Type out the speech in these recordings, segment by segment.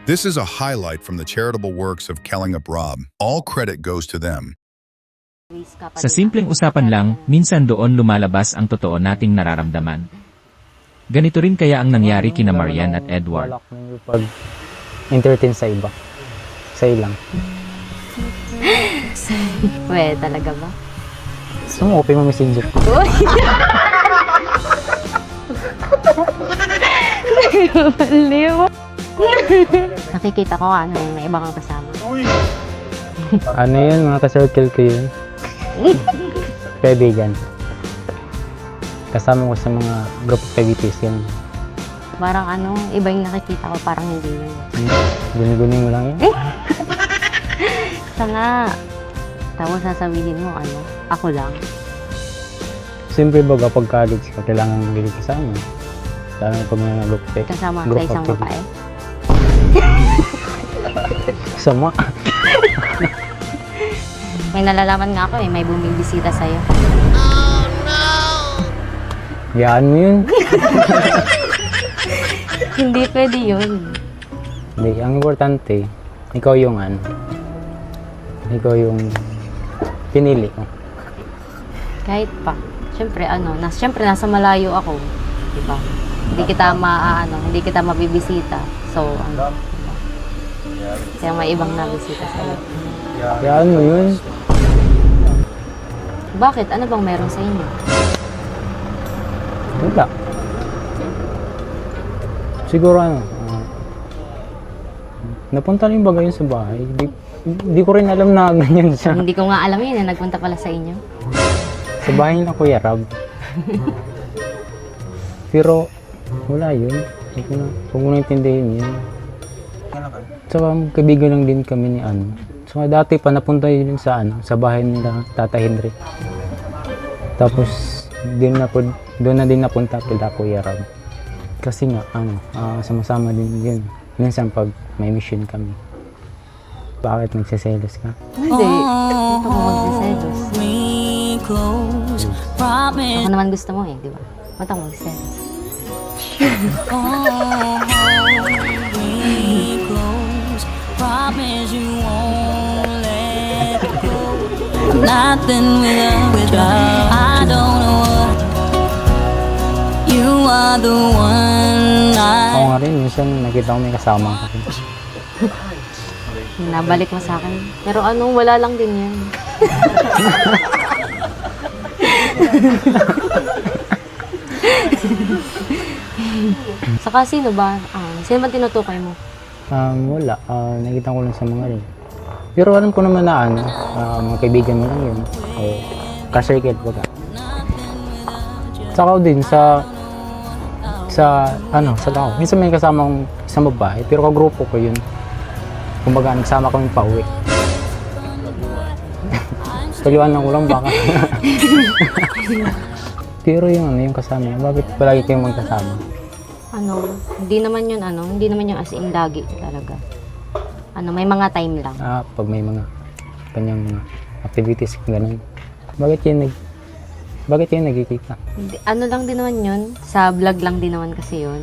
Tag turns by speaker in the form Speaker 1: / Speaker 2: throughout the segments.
Speaker 1: This is a highlight from the charitable works of Kellingup Rob. All credit goes to them.
Speaker 2: Sa simpleng usapan lang, minsan doon lumalabas ang totoo nating nararamdaman. Ganito rin kaya ang nangyari kina Marian at Edward.
Speaker 3: Balak mo pag-entertain sa iba. Sa'yo lang.
Speaker 4: We, talaga ba?
Speaker 3: Gusto mo, open mo messenger ko.
Speaker 4: Baliw. Nakikita ko ano yung may iba kang kasama.
Speaker 3: Ano yun, mga ka-circle ko yun. Kaibigan. Kasama ko sa mga group activities yan.
Speaker 4: Parang ano, iba yung nakikita ko, parang hindi yun.
Speaker 3: Guni-guni mo lang yan.
Speaker 4: Sa nga. Tapos sasabihin mo, ano, ako lang.
Speaker 3: Siyempre ba kapag college ka, kailangan mo gili kasama. Lalo na pag may group activity.
Speaker 4: Kasama sa isang babae.
Speaker 3: Sama.
Speaker 4: May nalalaman nga ako may bumibisita sa'yo.
Speaker 3: Yaan mo yun.
Speaker 4: Hindi pwede yun.
Speaker 3: Hindi, ang importante, ikaw yung ano. Ikaw yung pinili ko.
Speaker 4: Kahit pa. Siyempre, siyempre nasa malayo ako. Diba? Hindi kita mabibisita. So, diba? Kaya may ibang nabisita sa'yo.
Speaker 3: Yaan mo yun.
Speaker 4: Bakit? Ano bang meron sa inyo?
Speaker 3: Wala. Siguro napunta rin ba yun sa bahay? Di ko rin alam na ganyan siya.
Speaker 4: Hindi ko nga alam yun nagpunta pala sa inyo.
Speaker 3: Sa bahay na Kuya Rab. Pero wala yun. Huwag mo na intindihin yun. Tsaka kaibigan lang din kami ni ano. So dati pa napunta yun sa bahay nila Tata Henry. Tapos doon na din napunta kila Kuya Rab. Kasi nga sama-sama din yun. Minsan pag may mission kami. Bakit nagsiselos ka?
Speaker 4: Hindi. Ito ko magsiselos. Ako naman gusto mo di ba? Ba't ako magsiselos?
Speaker 5: Nothing without I don't know what you are the one
Speaker 3: Ako nga rin, minsan nakita ko may kasama ka rin.
Speaker 4: Nabalik mo sa akin. Pero wala lang din yan. Saka sino ba? Sino ba tinutukoy mo?
Speaker 3: Wala. Nakita ko lang sa mga rin. Pero alam ko naman na mga kaibigan mo lang yun. O ka-circle baga. Saka din sa tao. Minsan may kasama akong isang babae, pero kagrupo ko yun. Kumbaga, nagsama kami pa uwi. Kaliwanan ko lang baka. Pero yung kasama niya, bakit palagi kayong magkasama?
Speaker 4: Hindi naman yun as in lagi talaga. May mga time lang.
Speaker 3: Pag may mga kanyang mga activities, ganun. Bakit kayo nagkikita?
Speaker 4: Lang din naman yun. Sa vlog lang din naman kasi yun.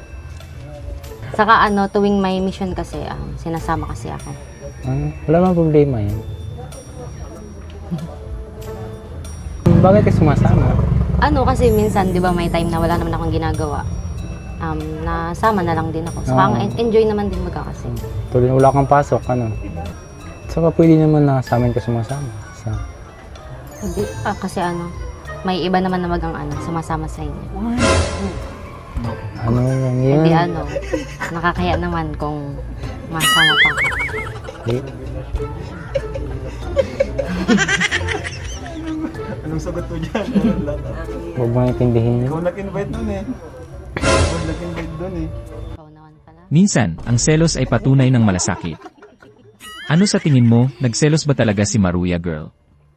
Speaker 4: Saka tuwing may mission kasi, sinasama kasi ako.
Speaker 3: Wala mang problema yan. Bakit kayo sumasama?
Speaker 4: Kasi minsan, di ba, may time na wala naman akong ginagawa. Nasama na lang din ako. Saka enjoy naman din kasi.
Speaker 3: Tuloy wala kang pasok, Saka pwede naman na sa amin ka sumasama.
Speaker 4: Kasi may iba naman na sumasama sa inyo.
Speaker 3: Ano lang yun?
Speaker 4: Hindi nakakaya naman kung masama pa.
Speaker 6: Anong sagot mo dyan?
Speaker 3: Huwag mo naintindihin yun.
Speaker 6: Ikaw nag-invite nun Ikaw nag-invite dun
Speaker 4: Ikaw naman pala.
Speaker 2: Minsan, ang selos ay patunay ng malasakit. Ano sa tingin mo, nagselos ba talaga si Maruya Girl?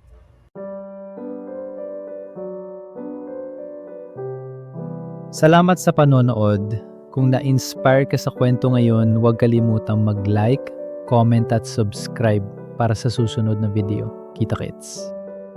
Speaker 7: Salamat sa panonood. Kung na-inspire ka sa kwento ngayon, huwag kalimutang mag-like, comment at subscribe para sa susunod na video. Kita-kits!